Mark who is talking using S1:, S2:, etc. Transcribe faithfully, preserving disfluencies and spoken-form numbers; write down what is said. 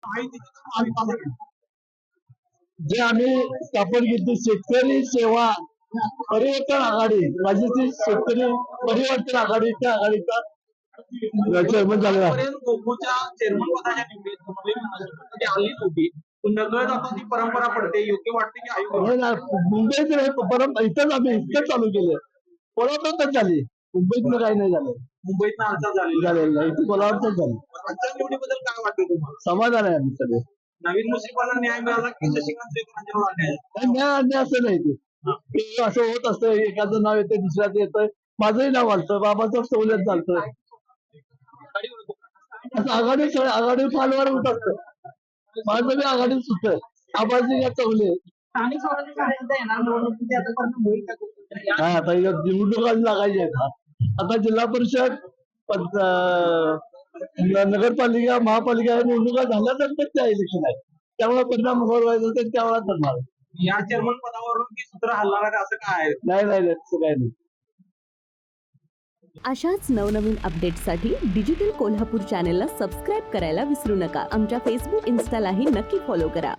S1: जे आम्ही स्थापन केली शेतकरी सेवा परिवर्तन आघाडी, राज्यातील शेतकरी परिवर्तन आघाडीच्या आघाडीचा चेअरमन झालेला आहे.
S2: गोकुळच्या चेअरमन पदाच्या निवडीत आली नव्हती. नकळत आता ती परंपरा पडते. योग्य वाटते की आयोग
S1: मुंबईत परंपरा इथंच आम्ही इथंच चालू केलं. कोल्हापूरच झाली, मुंबईत काही नाही झालं.
S2: मुंबईत हालचाल झाली
S1: झालेलं नाही, इथे कोल्हापूरच झाली.
S2: आजच्या निवडीबद्दल काय वाटतं तुम्हाला?
S1: समाधान आहे आम्ही सगळे.
S2: नवीन मुस्लिमांना न्याय मिळाला की शशिकांत शेखरांच्यावर अन्याय?
S1: न्याय अन्याय असं नाही ते असं होत असतं. एखादं नाव येतं दुसऱ्याचं येतं. माझंही नाव आलतं, बाबाचं सवलत चालतं. आघाडी आघाडी फालवर होत असतं. माझं बी आघाडीच होतं. आबाजी का चवले हा आता निवडणुका लागायच्या आहेत. आता जिल्हा परिषद नगरपालिका महापालिका या निवडणुका झाल्यानंतर त्या इलेक्शन आहेत. त्यामुळे परिणाम व्हायचा तर त्यावेळा करणार.
S2: या चेअरमन पदावरून ती सूत्र हलणार आहे असं काय आहे?
S1: नाही नाही तसं काही नाही.
S3: अशाच नवनवीन अपडेट्ससाठी डिजिटल कोल्हापूर चॅनेलला सबस्क्राईब करायला विसरू नका. आमच्या फेसबुक इन्स्टालाही नक्की फॉलो करा.